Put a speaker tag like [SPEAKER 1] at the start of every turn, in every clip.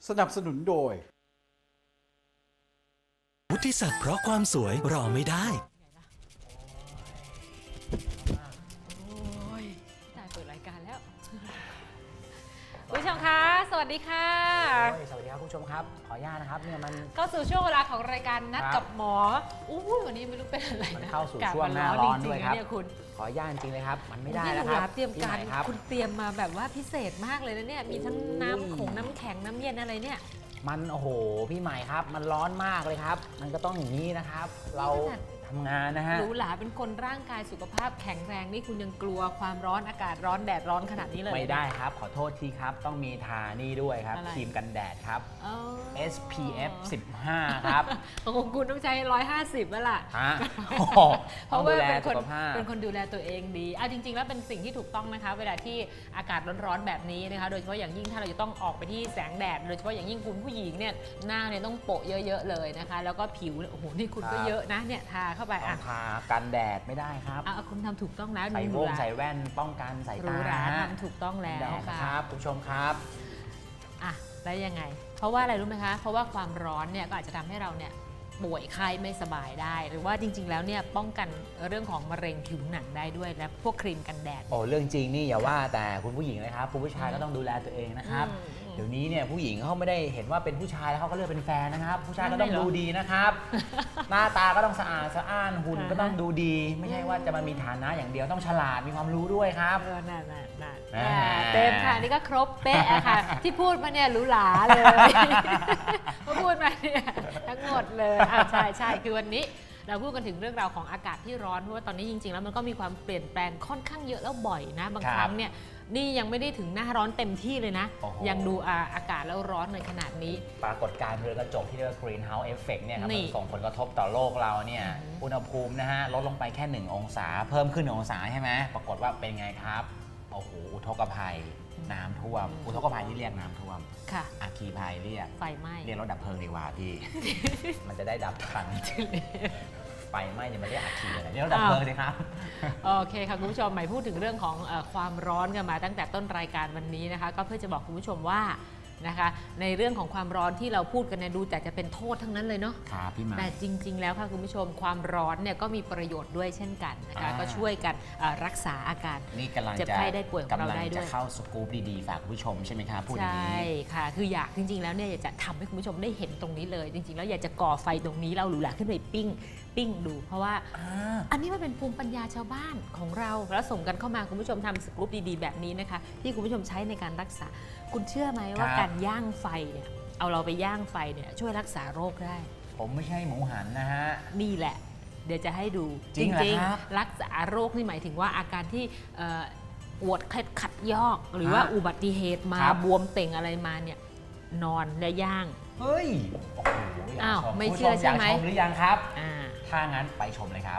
[SPEAKER 1] สนับสนุนโดย
[SPEAKER 2] วุฒิศักดิ์เพราะความสวยรอไม่ได้
[SPEAKER 3] โอ้ยตายเปิดรายการแล้วคุณผู้ชมคะ สวัสดีค่ะ
[SPEAKER 4] สวัสดีครับคุณผู้ชมครับ ขออนุญาตนะครับเนี่ยมัน
[SPEAKER 3] เข้าสู่ช่วงเวลาของรายการนัดกับหมออู้วันนี้ไม่รู้เป็นอะไร
[SPEAKER 4] มัน
[SPEAKER 3] นะ
[SPEAKER 4] เข้าสู่ช่วงหน้าร้อนด้วยครับ
[SPEAKER 3] เนี่ยคุณ
[SPEAKER 4] ขออนุญาตจริงเลยครับ มันไม่ได้
[SPEAKER 3] พี่
[SPEAKER 4] แล้ว
[SPEAKER 3] ห
[SPEAKER 4] ค
[SPEAKER 3] ลา
[SPEAKER 4] รับ
[SPEAKER 3] เตรียมการ
[SPEAKER 4] ที่ไหนครับ
[SPEAKER 3] คุณเตรียมมาแบบว่าพิเศษมากเลยนะเนี่ยมีทั้งน้ำของน้ำแข็งน้ำเย็นอะไรเนี่ย
[SPEAKER 4] มันโอ้โหพี่ใหม่ครับ มันร้อนมากเลยครับ มันก็ต้องอย่างนี้นะครับ เราทำงานนะฮะ
[SPEAKER 3] หรูหราเป็นคนร่างกายสุขภาพแข็งแรงนี่คุณยังกลัวความร้อนอากาศร้อนแดดร้อนขนาดนี้เลย
[SPEAKER 4] ไม่ได้ครับ ขอโทษทีครับ ต้องมีทานี่ด้วยครับ
[SPEAKER 3] อะไร
[SPEAKER 4] ครีมกันแดดครับ
[SPEAKER 3] อ๋อ
[SPEAKER 4] SPF 15 ครับ
[SPEAKER 3] ของคุณต้องใช้150แล้วล่ะ
[SPEAKER 4] ฮะ
[SPEAKER 3] เพ
[SPEAKER 4] ต้อง
[SPEAKER 3] ราะ
[SPEAKER 4] ดู
[SPEAKER 3] ว่า
[SPEAKER 4] แล
[SPEAKER 3] เป็นค
[SPEAKER 4] สุ
[SPEAKER 3] น
[SPEAKER 4] ขภาพ
[SPEAKER 3] เป็นคนดูแลตัวเองดีเอาจริงๆแล้วเป็นสิ่งที่ถูกต้องนะคะเวลาที่อากาศร้อนๆแบบนี้นะคะโดยเฉพาะอย่างยิ่งถ้าเราจะต้องออกไปที่แสงแดดโดยเฉพาะอย่างยิ่งคุณผู้หญิงเนี่ยหน้าเนี่ยต้องโปะเยอะๆเลยนะคะแล้วก็ผิวโอ้โหนี่คุณก็เยอะนะเนี่ยทาเข้าไป
[SPEAKER 4] ต้อ
[SPEAKER 3] อ่ะ
[SPEAKER 4] งทากันแดดไม่ได้ครับ
[SPEAKER 3] คุณทำถูกต้องแล้ว
[SPEAKER 4] ใส่
[SPEAKER 3] ห
[SPEAKER 4] ว
[SPEAKER 3] รู
[SPEAKER 4] ง
[SPEAKER 3] หรา
[SPEAKER 4] ใส่แว่นป้องกันสาย
[SPEAKER 3] หรู
[SPEAKER 4] ตา
[SPEAKER 3] หรา
[SPEAKER 4] ฮะ
[SPEAKER 3] ทำถูกต้องแล้
[SPEAKER 4] แด
[SPEAKER 3] ว
[SPEAKER 4] ดนะ
[SPEAKER 3] ค่ะ
[SPEAKER 4] ครับคุณผู้ชมครับ
[SPEAKER 3] อ่ะแล้วยังไง เพราะว่าอะไรรู้ไหมคะ เพราะว่าความร้อนเนี่ยก็อาจจะทำให้เราเนี่ยป่วยไข้ไม่สบายได้ หรือว่าจริงๆแล้วเนี่ยป้องกันเรื่องของมะเร็งผิวหนังได้ด้วยและพวกครีมกันแดด
[SPEAKER 4] โอ้เรื่องจริงนี่อย่าว่าแต่คุณผู้หญิงเลยครับคุณผู้ชายก็ต้องดูแลตัวเองนะครับ เดี๋ยวนี้เนี่ยผู้หญิงเขาไม่ได้เห็นว่าเป็นผู้ชายแล้วเขาก็เลือกเป็นแฟนนะครับ ผู้ชายก็ต้อง
[SPEAKER 3] ไม่เหรอ
[SPEAKER 4] ดูดีนะครับ หน้าตาก็ต้องสะอาดสะอ้านหุ่นก็ต้องดูดี ไม่ใช่ว่าจะมามีฐานะอย่างเดียวต้องฉลาดมีความรู้ด้วยครับ
[SPEAKER 3] น่า
[SPEAKER 4] อ่า
[SPEAKER 3] เต็มค่ะนี่ก็ครบเป๊ะอะค่ะ ที่พูดมาเนี่ยหรูหราเลย พอพูดมาเนี่ยทั้งหมดเลยใช่คือวันนี้เราพูดกันถึงเรื่องราวของอากาศที่ร้อนเพราะว่าตอนนี้จริงๆแล้วมันก็มีความเปลี่ยนแปลงค่อนข้างเยอะแล้วบ่อยนะบางครั้งเนี่ยนี่ยังไม่ได้ถึงหน้าร้อนเต็มที่เลยนะ
[SPEAKER 4] โอ้โห
[SPEAKER 3] ยังดูอากาศแล้วร้อนในขนาดนี้
[SPEAKER 4] ปรากฏการณ์เรือนกระจกที่เรียกว่า greenhouse effect เนี่ยครับ
[SPEAKER 3] นี่
[SPEAKER 4] มันส่งผลกระทบต่อโลกเราเนี่ยอุณหภูมินะฮะลดลงไปแค่ 1 องศา เพิ่มขึ้น1 องศาใช่ไหมปรากฏว่าเป็นไงครับโอ้โหอุทกภัยน้ำท่วมอุทกภัยที่เรียกน้ำท่วม
[SPEAKER 3] ค่ะ
[SPEAKER 4] อาคีภัยเรียก
[SPEAKER 3] ไฟไหม้
[SPEAKER 4] เรียกรถดับเพลิงดีกว่าพี่ มันจะได้ดับทัน ไฟไหม้เนี่ยมันเรียกอาคีอะไรเรียกรถดับเพลิงสิครับ
[SPEAKER 3] โอเคค่ะคุณผู้ชมหมายพูดถึงเรื่องของความร้อนกันมาตั้งแต่ต้นรายการวันนี้นะคะก็เพื่อจะบอกคุณผู้ชมว่านะคะในเรื่องของความร้อนที่เราพูดกันเนี่ยดูแต่จะเป็นโทษทั้งนั้นเลยเนาะ
[SPEAKER 4] ครับพี่หมา
[SPEAKER 3] แต่จริงๆแล้วค่ะคุณผู้ชมความร้อนเนี่ยก็มีประโยชน์ด้วยเช่นกันนะคะก็ช่วยกันรักษาอาการ
[SPEAKER 4] นี่กำลัง
[SPEAKER 3] เจ็บ
[SPEAKER 4] จะ
[SPEAKER 3] ไข้ได้ป่วยของเรา
[SPEAKER 4] กำลัง
[SPEAKER 3] ได้ด้
[SPEAKER 4] จะ
[SPEAKER 3] วย
[SPEAKER 4] เข้าสกู๊ปดีๆฝากคุณผู้ชมใช่ไหมครับพูดอย่าง
[SPEAKER 3] ใช่
[SPEAKER 4] นี้
[SPEAKER 3] ค่ะคืออยากจริงๆแล้วเนี่ยอยากจะทำให้คุณผู้ชมได้เห็นตรงนี้เลย จริงๆแล้วอยากจะก่อไฟตรงนี้เราหรูหราขึ้นไปปิ้งดู เพราะว่าอันนี้มันเป็นภูมิปัญญาชาวบ้านของเราแล้วส่งกันเข้ามาคุณผู้ชมทำสกู๊ปดีๆแบบนี้นะคะที่คุณผู้ชมใช้ในการรักษาคุณเชื่อไหมว่าการย่างไฟเนี่ยเอาเราไปย่างไฟเนี่ยช่วยรักษาโรคได้
[SPEAKER 4] ผมไม่ใช่หมูหันนะฮะ
[SPEAKER 3] นี่แหละ เดี๋ยวจะให้ดู
[SPEAKER 4] จริงเหรอครับ
[SPEAKER 3] รักษาโรคนี่หมายถึงว่าอาการที่ปวดเคล็ดขัดยอก หรือว่าอุบัติเหตุมาบวมเต่งอะไรมาเนี่ยนอนและย่าง
[SPEAKER 4] เฮ้ยโอ้โหอยาก
[SPEAKER 3] อ้าว
[SPEAKER 4] ชม
[SPEAKER 3] ไม่
[SPEAKER 4] คุณ
[SPEAKER 3] เชื่อ
[SPEAKER 4] ผู้
[SPEAKER 3] ใช่ไหม
[SPEAKER 4] ยากชมหรือยังครับ
[SPEAKER 3] อ่า
[SPEAKER 4] ถ้างั้นไปชมเลยครับ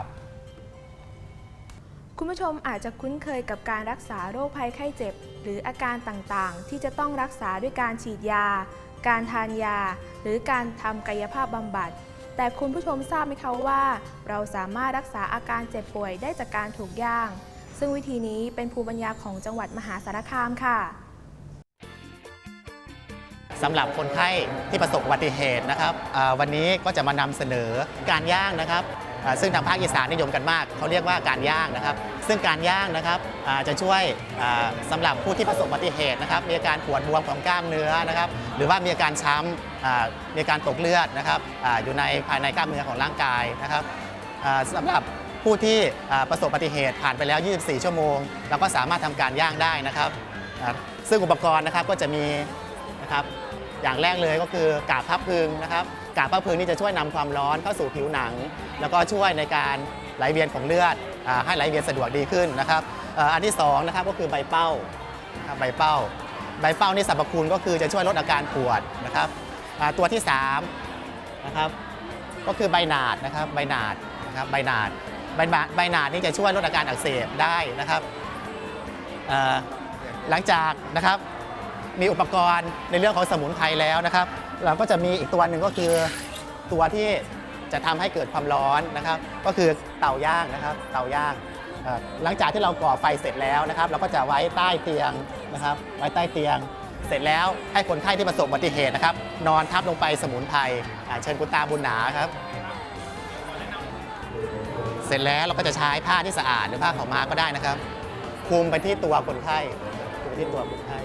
[SPEAKER 5] คุณผู้ชมอาจจะคุ้นเคยกับการรักษาโรคภัยไข้เจ็บ หรืออาการต่างๆ ที่จะต้องรักษาด้วยการฉีดยา การทานยา หรือการทำกายภาพบำบัด แต่คุณผู้ชมทราบไหมคะว่า เราสามารถรักษาอาการเจ็บป่วยได้จากการถูกย่าง ซึ่งวิธีนี้เป็นภูมิปัญญาของจังหวัดมหาสารคามค่ะ
[SPEAKER 6] สำหรับคนไข้ที่ประสบอุบัติเหตุนะครับวันนี้ก็จะมานำเสนอการย่างนะครับซึ่งทางภาคอีสานนิยมกันมากเขาเรียกว่าการย่างนะครับซึ่งการย่างนะครับจะช่วยสำหรับผู้ที่ประสบอุบัติเหตุนะครับมีอาการปวดบวมของกล้ามเนื้อนะครับหรือว่ามีอาการช้ำมีอาการตกเลือดนะครับอยู่ในภายในกล้ามเนื้อของร่างกายนะครับสำหรับผู้ที่ประสบอุบัติเหตุผ่านไปแล้ว 24 ชั่วโมงเราก็สามารถทำการย่างได้นะครับซึ่งอุปกรณ์นะครับก็จะมีนะครับอย่างแรกเลยก็คือกาบผ้าพึงนะครับกาบผ้าพึงนี่จะช่วยนำความร้อนเข้าสู่ผิวหนัง แล้วก็ช่วยในการไหลเวียนของเลือดให้ไหลเวียนสะดวกดีขึ้นนะครับอันที่2นะครับก็คือใบเป้าใบเป้านี่สรรพคุณก็คือจะช่วยลดอาการปวดนะครับตัวที่3นะครับก็คือใบหนาดนะครับใบหนาดนี่จะช่วยลดอาการอักเสบได้นะครับหลังจากนะครับมีอุปกรณ์ในเรื่องของสมุนไพรแล้วนะครับเราก็จะมีอีกตัวหนึ่งก็คือตัวที่จะทำให้เกิดความร้อนนะครับก็คือเตาย่างนะครับเตาย่างหลังจากที่เราก่อไฟเสร็จแล้วนะครับเราก็จะไว้ใต้เตียงนะครับไว้ใต้เตียงเสร็จแล้วให้คนไข้ที่ประสบอุบัติเหตุนะครับนอนทับลงไปสมุนไพรเชิญคุณตาบุญหนาครับเสร็จแล้วเราก็จะใช้ผ้าที่สะอาดหรือผ้าขาวม้าก็ได้นะครับคลุมไปที่ตัวคนไข้คลุมไปที่ตัวคนไข้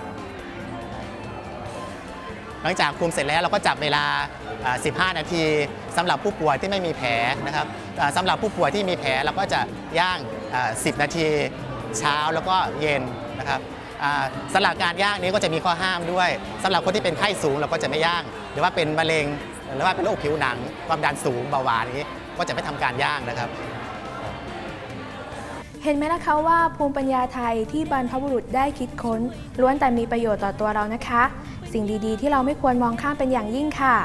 [SPEAKER 6] หลังจากคลุมเสร็จแล้วเราก็จับเวลา 15 นาทีสำหรับผู้ป่วยที่ไม่มีแผลนะครับสำหรับผู้ป่วยที่มีแผลเราก็จะย่าง 10 นาทีเช้าแล้วก็เย็นนะครับสำหรับการย่างนี้ก็จะมีข้อห้ามด้วยสำหรับคนที่เป็นไข้สูงเราก็จะไม่ย่างหรือว่าเป็นมะเร็งหรือว่าเป็นโรคผิวหนังความดันสูงเบาหวานนี้ก็จะไม่ทำการย่างนะครับ
[SPEAKER 5] เห็นไหมล่ะคะว่าภูมิปัญญาไทยที่บรรพบุรุษได้คิดค้นล้วนแต่มีประโยชน์ต่อตัวเรานะคะ สิ่งดีๆที่เราไม่ควรมองข้ามเป็นอย่างยิ่งค่ะ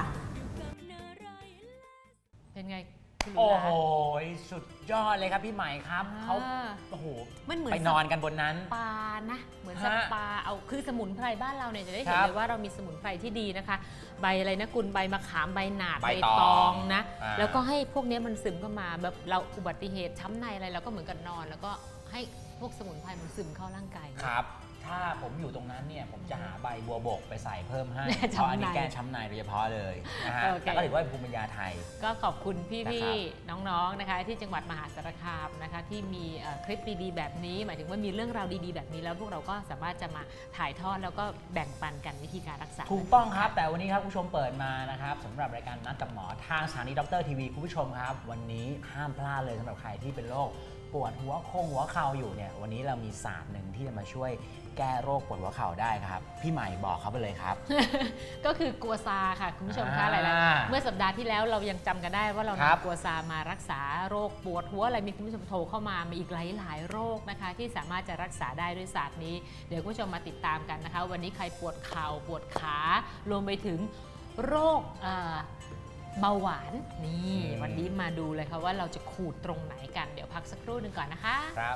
[SPEAKER 3] เป็นไงคุณหนู
[SPEAKER 4] โอ้
[SPEAKER 3] หลา
[SPEAKER 4] โหสุดยอดเลยครับพี่ใหม่ครับเขาโอ้โห
[SPEAKER 3] มันเหมือน
[SPEAKER 4] ไปนอนกันบนนั้น
[SPEAKER 3] ปานะ เหมือนส
[SPEAKER 4] ฮะ
[SPEAKER 3] ปาเอาคือสมุนไพรบ้านเราเนี่ยจะได้
[SPEAKER 4] ค
[SPEAKER 3] เห็น
[SPEAKER 4] รับ
[SPEAKER 3] เลยว่าเรามีสมุนไพรที่ดีนะคะ ใบอะไรนะคุณใบมะขามใบหนาด
[SPEAKER 4] ใบ
[SPEAKER 3] ใบ
[SPEAKER 4] ตอง
[SPEAKER 3] ตองนะ
[SPEAKER 4] อ่า
[SPEAKER 3] แล้วก็ให้พวกนี้มันซึมเข้ามาแบบเราอุบัติเหตุช้ำในอะไรเราก็เหมือนกันนอน แล้วก็ให้พวกสมุนไพรมันซึมเข้าร่างกาย
[SPEAKER 4] ครับ ถ้าผมอยู่ตรงนั้นเนี่ยผมจะหาใบบัวบกไปใส่เพิ่มให้
[SPEAKER 3] แก้
[SPEAKER 4] เพ
[SPEAKER 3] ช้ำใน
[SPEAKER 4] ราะอันนี้แก้ช้ำในโดยเฉพาะเลยนะฮะ
[SPEAKER 3] โอเค
[SPEAKER 4] แต่ก็ถือว่าเป็นภูมิปัญญาไทย
[SPEAKER 3] ก็ขอบคุณพี่
[SPEAKER 4] นะครับ
[SPEAKER 3] ๆน้องๆนะคะที่จังหวัดมหาสารคามนะคะที่มีคลิปดีๆแบบนี้ หมายถึงว่ามีเรื่องราวดีๆแบบนี้แล้วพวกเราก็สามารถจะมาถ่ายทอดแล้วก็แบ่งปันกันวิธีการรักษา
[SPEAKER 4] ถูกต้องครับ แต่วันนี้ครับคุณผู้ชมเปิดมานะครับสำหรับรายการนัดกับหมอทางสถานีดรทีวีคุณผู้ชมครับ วันนี้ห้ามพลาดเลยสำหรับใครที่เป็นโรคปวดหัวหัวเข่าอยู่เนี่ยวันนี้เรามีศาสตร์หนึ่งที่จะมาช่วยแก้โรคปวดหัวเข่าได้ครับพี่ใหม่บอกเขาไปเลยครับ
[SPEAKER 3] ก็คือกัวซาค่ะคุณผู้ชมคะ
[SPEAKER 4] อ่า
[SPEAKER 3] หลายๆเมื่อสัปดาห์ที่แล้วเรายังจำกันได้ว่าเรา
[SPEAKER 4] ครับ
[SPEAKER 3] นำกัวซามารักษาโรคปวดหัวอะไรมีคุณผู้ชมโทรเข้ามามีอีกหลายๆโรคนะคะที่สามารถจะรักษาได้ด้วยศาสตร์นี้เดี๋ยวคุณผู้ชมมาติดตามกันนะคะ วันนี้ใครปวดเข่าปวดขารวมไปถึงโรคเบาหวานนี่วันนี้มาดูเลยค่ะว่าเราจะขูดตรงไหนกันเดี๋ยวพักสักครู่หนึ่งก่อนนะคะ
[SPEAKER 4] ครับ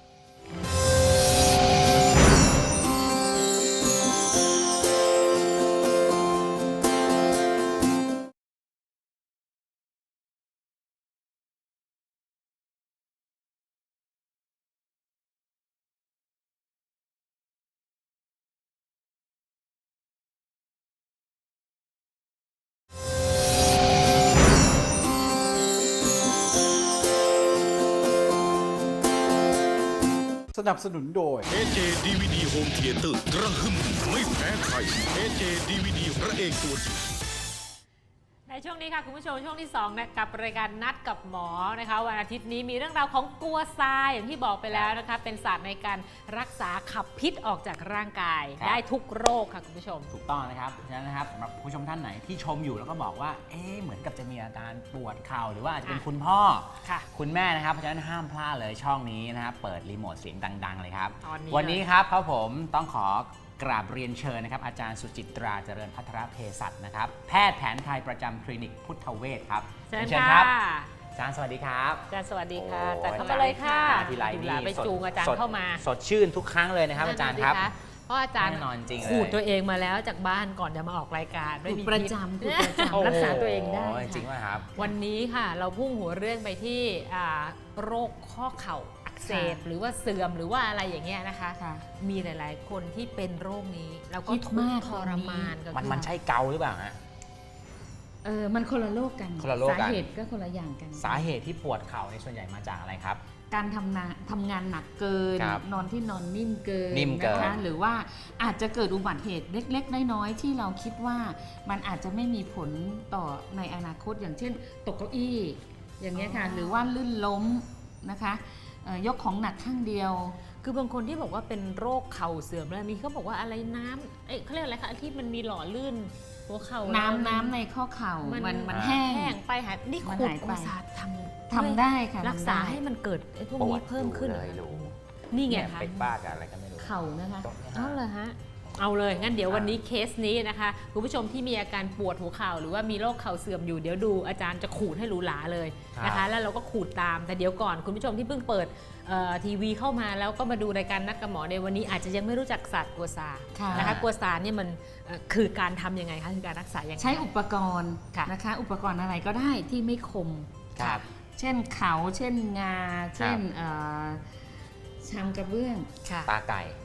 [SPEAKER 1] สนับสนุนโดย
[SPEAKER 7] AJ DVD Home Theater กระหึ่มไม่แพ้ใคร AJ DVD พระเอกตัวจริง
[SPEAKER 3] ในช่วงนี้ค่ะคุณผู้ชมช่วงที่2นะกับรายการนัดกับหมอนะคะวันอาทิตย์นี้มีเรื่องราวของกัวซาอย่างที่บอกไปแล้วนะคะเป็นศาสตร์ในการรักษาขับพิษออกจากร่างกาย
[SPEAKER 4] ครับ
[SPEAKER 3] ได้ทุกโรคค่ะคุณผู้ชม
[SPEAKER 4] ถูกต้องนะครับฉะนั้นนะครับสำหรับผู้ชมท่านไหนที่ชมอยู่แล้วก็บอกว่าเหมือนกับจะมีอาการปวดเข่าหรือว่าอาจจะเป็นคุณพ่อ
[SPEAKER 3] ค่ะ
[SPEAKER 4] คุณแม่นะครับเพราะฉะนั้นห้ามพลาดเลยช่องนี้นะครับเปิดรีโมทเสียงดัง ๆ เลยครับ
[SPEAKER 3] ตอนนี้
[SPEAKER 4] วันนี้ครับผมต้องขอกราบเรียนเชิญนะครับอาจารย์สุจิตราเจริญพัทรเภสัชนะครับแพทย์แผนไทยประจำคลินิกพุทธเวชครับ
[SPEAKER 3] เชิญ
[SPEAKER 4] ค
[SPEAKER 3] ค่ะ
[SPEAKER 4] รับอาจารย์สวัสดีครับ
[SPEAKER 3] อาจารย์สวัสดีค่ะ
[SPEAKER 4] โอ้
[SPEAKER 3] อาจารย์เข้ามาเลยค่ะ
[SPEAKER 4] มาทีไร
[SPEAKER 3] ดู
[SPEAKER 4] นี่
[SPEAKER 3] หลาไป
[SPEAKER 4] สด
[SPEAKER 3] จูงอาจาร
[SPEAKER 4] ส
[SPEAKER 3] ย์
[SPEAKER 4] ด
[SPEAKER 3] เข้ามา
[SPEAKER 4] สดชื่นทุกครั้งเลยนะครับอาจารย์ครับ
[SPEAKER 3] นั่นน่ะสิคะเพราะอาจารย์
[SPEAKER 4] แน่นอนจริงเลย
[SPEAKER 3] ขูดตัวเองมาแล้วจากบ้านก่อนจะมาออกรายการไม่มี
[SPEAKER 8] ประจำ
[SPEAKER 3] พิษ
[SPEAKER 8] คือประจำรักษาตัวเองได้
[SPEAKER 4] โจริง
[SPEAKER 8] ค่ะ
[SPEAKER 4] ว่าครับ
[SPEAKER 3] วันนี้ค่ะเราพุ่งหัวเรื่องไปที่โรคข้อเข่าอักเสบ
[SPEAKER 8] ค่ะ
[SPEAKER 3] หรือว่าเสื่อมหรือว่าอะไรอย่างเงี้ยนะคะ
[SPEAKER 8] ค่ะ
[SPEAKER 3] มีหลาย ๆ คนที่เป็นโรคนี้แล้วก็
[SPEAKER 8] คิด
[SPEAKER 3] ทุก
[SPEAKER 8] มาก
[SPEAKER 3] ข์ทรมานกัน
[SPEAKER 4] มันใช่เกาหรือเปล่าฮะ
[SPEAKER 8] มันคนละโรคกัน
[SPEAKER 4] คนละโรคกัน
[SPEAKER 8] สาเหตุก็คนละอย่างกัน
[SPEAKER 4] สาเหตุที่ปวดเข่าในส่วนใหญ่มาจากอะไรครับ
[SPEAKER 8] การทำงานหนักเกิน
[SPEAKER 4] ครับ
[SPEAKER 8] นอนที่นอนนิ่มเกิน
[SPEAKER 4] นิ่มเกิน
[SPEAKER 8] นะคะหรือว่าอาจจะเกิดอุบัติเหตุเล็ก ๆ น้อย ๆ ที่เราคิดว่ามันอาจจะไม่มีผลต่อในอนาคตอย่างเช่น ตกเก้าอี้อย่างเงี้ยค่ะหรือว่าลื่นล้มนะคะยกของหนักข้างเดียว
[SPEAKER 3] คือบางคนที่บอกว่าเป็นโรคเข่าเสื่อมแล้วมีเขาบอกว่าอะไรน้ำเขาเรียกอะไรคะที่มันมีหล่อลื่นหัวเข่า
[SPEAKER 8] น้ำในข้อเข่ามันแห้
[SPEAKER 3] แห้
[SPEAKER 8] ง
[SPEAKER 3] งไปหายนี่
[SPEAKER 8] มัน
[SPEAKER 3] ขูด
[SPEAKER 8] หายไป
[SPEAKER 3] กุศาทำ
[SPEAKER 8] ได้ค่ะ
[SPEAKER 3] รักษา
[SPEAKER 8] ทำได้
[SPEAKER 3] ให้มันเกิดไอ้พวก
[SPEAKER 4] ปว
[SPEAKER 3] นี้
[SPEAKER 4] ด
[SPEAKER 3] เพิ่มขึ้น
[SPEAKER 4] เลยรู้
[SPEAKER 3] นี่ไง
[SPEAKER 4] เนี่ย
[SPEAKER 3] คะ
[SPEAKER 4] เป็นบ้ากับอะไรก็ไม่รู้
[SPEAKER 8] เข่านะคะ
[SPEAKER 4] ตรงนี้
[SPEAKER 3] เอาเลยฮะเอาเลยงั้นเดี๋ยววันนี้เคสนี้นะคะคุณผู้ชมที่มีอาการปวดหัวเข่าหรือว่ามีโรคเข่าเสื่อมอยู่เดี๋ยวดูอาจารย์จะขูดให้หรูหราเลยนะคะแล้วเราก็ขูดตามแต่เดี๋ยวก่อนคุณผู้ชมที่เพิ่งเปิดทีวีเข้ามาแล้วก็มาดูรายการนัดกับหมอในวันนี้อาจจะยังไม่รู้จักศาสตร์กัวซา
[SPEAKER 8] ค่ะ
[SPEAKER 3] นะคะกัวซาเนี่ยมันคือการทำยังไงคะคือการรักษายังไง
[SPEAKER 8] ใช้อุปกรณ์
[SPEAKER 3] ค่ะ
[SPEAKER 8] นะคะ อุปกรณ์อะไรก็ได้ที่ไม่คม
[SPEAKER 4] ครับ
[SPEAKER 8] เช่นเขาเช่นงา เช่นชามกระเบื้อง
[SPEAKER 3] ค่ะ
[SPEAKER 4] ตาไก่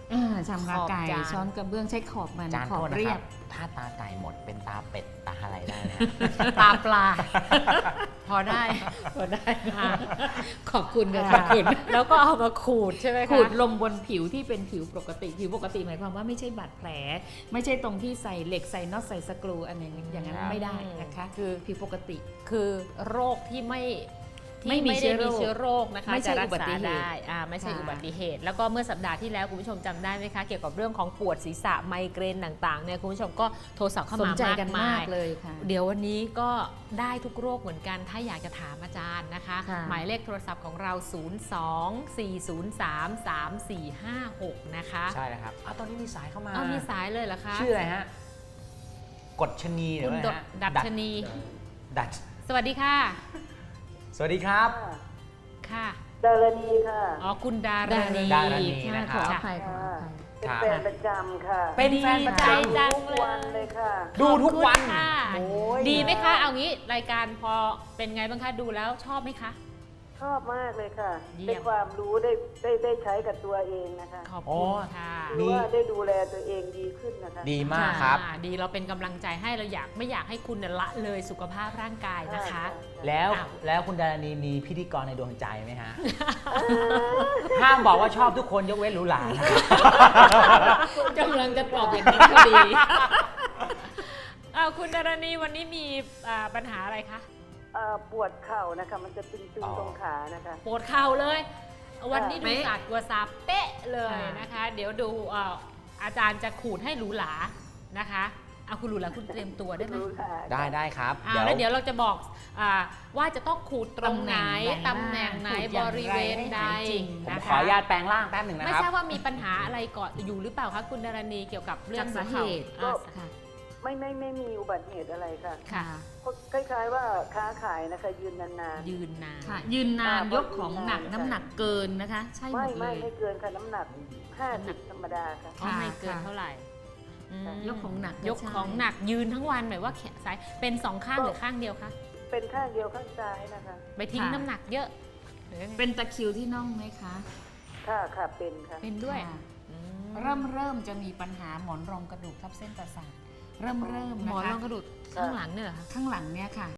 [SPEAKER 8] ชำระไก่
[SPEAKER 3] ขอบจาน
[SPEAKER 8] ช้อนกระเบื้องใช้ขอบมัน
[SPEAKER 4] จาน
[SPEAKER 8] ขอ
[SPEAKER 4] โท
[SPEAKER 8] บ
[SPEAKER 4] ษนะ
[SPEAKER 8] เรี
[SPEAKER 4] ค
[SPEAKER 8] ย
[SPEAKER 4] รับ บ ถ้าตาไก่หมดเป็นตาเป็ดตาอะไรได้นะ
[SPEAKER 3] ตาปลา
[SPEAKER 8] พอได้พอได้
[SPEAKER 3] ค่ะ
[SPEAKER 8] ขอบคุณค่ะขอบคุณ
[SPEAKER 3] แล้วก็เอามาขูดใช่ไหมคะ
[SPEAKER 8] ขูดลงบนผิวที่เป็นผิวปกติผิวปกติหมายความว่าไม่ใช่บาดแผล ไม่ใช่ตรงที่ใส่เหล็กใส่น็อตใส่สกรูอันนี้อย่างนั้น
[SPEAKER 4] ครับ
[SPEAKER 8] ไม่ได้นะคะ
[SPEAKER 3] คือ
[SPEAKER 8] ผิวปกติ
[SPEAKER 3] คือโรคที่ไม่
[SPEAKER 8] ไม่มี
[SPEAKER 3] ด้
[SPEAKER 8] เชื้อโรค
[SPEAKER 3] มีเชื้อโรคนะคะ
[SPEAKER 8] ไม่ใช่
[SPEAKER 3] จะรั
[SPEAKER 8] อุบัติเหตุ
[SPEAKER 3] ได้ไม่ใช่
[SPEAKER 8] ค่ะ
[SPEAKER 3] อุบัติเหตุ แล้วก็เมื่อสัปดาห์ที่แล้วคุณผู้ชมจำได้ไหมคะ เกี่ยวกับเรื่องของปวดศีรษะไมเกรนต่างๆเนี่ยคุณผู้ชมก็โทรศัพท์เข้า
[SPEAKER 8] สน
[SPEAKER 3] มา
[SPEAKER 8] ใจ
[SPEAKER 3] มาก
[SPEAKER 8] กัน
[SPEAKER 3] มาม
[SPEAKER 8] าย กเลยค่ะ
[SPEAKER 3] เดี๋ยววันนี้ก็ได้ทุกโรคเหมือนกัน ถ้าอยากจะถามอาจารย์นะคะ
[SPEAKER 8] ค่ะ
[SPEAKER 3] หมายเลขโทรศัพท์ของเรา 02-403-3456 นะคะ
[SPEAKER 4] ใช่แล้วครับตอนนี้มีสายเข้ามา
[SPEAKER 3] เอามีสายเลยเหรอคะ
[SPEAKER 4] ชื่ออะไรฮะ กฎชนีหรือ
[SPEAKER 3] คุณ
[SPEAKER 4] อะไรฮะ
[SPEAKER 3] ดัชนี
[SPEAKER 4] ดัช
[SPEAKER 3] สวัสดีค่ะ
[SPEAKER 4] สวัสดีครับ
[SPEAKER 3] ค่ะ
[SPEAKER 9] ดารณีค่ะ
[SPEAKER 3] อ๋อคุณดารณี
[SPEAKER 4] ดารณี
[SPEAKER 8] ค่ะ
[SPEAKER 4] นะค
[SPEAKER 8] ข
[SPEAKER 4] รั
[SPEAKER 8] อบ อภัยขออภัย
[SPEAKER 9] เป็น
[SPEAKER 4] ครับ
[SPEAKER 9] แฟนประจำค่ะ
[SPEAKER 4] เป็นแฟนประจ
[SPEAKER 3] ดีใจจัง
[SPEAKER 9] ทุกวันเลยค่ะ
[SPEAKER 4] ำดูทุกวัน
[SPEAKER 3] ขอบคุณค่ะ
[SPEAKER 4] โอ้ย
[SPEAKER 3] ดีไหมคะ เอางี้รายการพอเป็นไงบ้างคะ ดูแล้วชอบไหมคะ
[SPEAKER 9] ชอบมากเลยค่ะ
[SPEAKER 3] เยี่ยม
[SPEAKER 9] ได้ความรู้ได้ใช้กับตัวเองนะคะ
[SPEAKER 3] ขอบคุณค่ะ
[SPEAKER 9] คือว่าได้ดูแลตัวเองดีขึ้นนะคะ
[SPEAKER 4] ดีมากครับ
[SPEAKER 3] ดีเราเป็นกำลังใจให้เราไม่อยากให้คุณเนี่ยละเลยสุขภาพร่างกายนะคะ
[SPEAKER 4] แล้ว
[SPEAKER 3] อ้าว
[SPEAKER 4] แล้วคุณดารณีมีพิธีกรในดวงใจไหมฮะ ห้ามบอกว่าชอบทุกคนยกเว้นหรูหรานะ
[SPEAKER 8] กำลังจะตอบอย่างนี้พอดี
[SPEAKER 3] คุณดารณีวันนี้มีปัญหาอะไรคะ
[SPEAKER 9] ปวดเข่านะคะ มันจะตึง
[SPEAKER 4] อ๋อ
[SPEAKER 9] ๆตรงขานะคะ
[SPEAKER 3] ปวดเข่าเลย วันนี้ดู
[SPEAKER 8] เป๊ะ
[SPEAKER 3] ศาสตร์กลัวซาเป๊ะเลย
[SPEAKER 8] ค่ะ
[SPEAKER 3] นะคะ เดี๋ยวดูอาจารย์จะขูดให้หรูหรานะคะเอาคุณหรูหราคุณเตรียมตัวได้ไหม
[SPEAKER 9] รู้ค่ะ
[SPEAKER 4] ได้ครับ
[SPEAKER 3] แล้วเดี๋ยวเราจะบอกว่าจะต้องขูดตรงไหน
[SPEAKER 8] ตำ
[SPEAKER 3] ตำ
[SPEAKER 8] แห
[SPEAKER 3] แห
[SPEAKER 8] น่
[SPEAKER 3] น่
[SPEAKER 8] ง
[SPEAKER 3] ง
[SPEAKER 8] ไห
[SPEAKER 3] ไห
[SPEAKER 8] น
[SPEAKER 3] น
[SPEAKER 8] บบ ริ
[SPEAKER 3] ริ
[SPEAKER 8] เว
[SPEAKER 3] เว
[SPEAKER 8] ณ
[SPEAKER 3] ณ
[SPEAKER 8] ใด
[SPEAKER 3] ใด
[SPEAKER 4] ผม
[SPEAKER 3] นะ
[SPEAKER 4] ขอ
[SPEAKER 3] คะ
[SPEAKER 4] อนุญาตแปลงร่างแป๊บหนึ่งนะ
[SPEAKER 3] ไม่
[SPEAKER 4] ครับ
[SPEAKER 3] ทราบว่ามีปัญหาอะไรก่อนอยู่หรือเปล่าคะคุณดารณีเกี่ยวกับเรื่อ
[SPEAKER 8] จาง กสาเหตุ
[SPEAKER 3] หัว
[SPEAKER 8] ก็
[SPEAKER 3] เข่า
[SPEAKER 8] ค่ะ
[SPEAKER 9] ไม่มีอุบัติเหตุอะไรค่ะ
[SPEAKER 3] ค่ะ
[SPEAKER 9] เพราะคล้ายๆว่าค้าขายนะคะ ยืนนาน
[SPEAKER 3] ยืนนาน
[SPEAKER 8] ค่ะ ยืนนาน
[SPEAKER 9] อ่าย
[SPEAKER 8] กของหนัก
[SPEAKER 9] ยืนนาน
[SPEAKER 8] น้ำหนักเกินนะคะ ใช่หม
[SPEAKER 9] ไม่
[SPEAKER 8] ดเลย
[SPEAKER 9] ไม่เกินค่ะน้ำหนัก50ธรรมดาค่ะ
[SPEAKER 3] อ๋อไม่เกิน
[SPEAKER 8] ค่ะ
[SPEAKER 3] เท่าไหร่อืม
[SPEAKER 8] ยกของหนัก
[SPEAKER 3] ยกของหนักยืนทั้งวันหมายว่าแขนซ้ายเป็นสองข้างหรือข้างเดียวคะ
[SPEAKER 9] เป็นข้างเดียวข้างซ้ายนะคะ
[SPEAKER 3] ไปทิ้งน้ำหนักเยอะหรือยังไง
[SPEAKER 8] เป็นตะคริวที่น่องไหมคะ
[SPEAKER 9] ค่ะเป็นค่ะ
[SPEAKER 3] เป็นด้วย
[SPEAKER 8] ค่ะ
[SPEAKER 3] อืม
[SPEAKER 8] เริ่มจะมีปัญหาหมอนรองกระดูกทับเส้นประสาทเริ่ม
[SPEAKER 3] หม
[SPEAKER 8] นะ
[SPEAKER 3] อน
[SPEAKER 8] คะ
[SPEAKER 3] รองกระดูกข้างหลังเนี่ยเหรอคะ
[SPEAKER 8] ข้างหลังเนี่ยค่ะ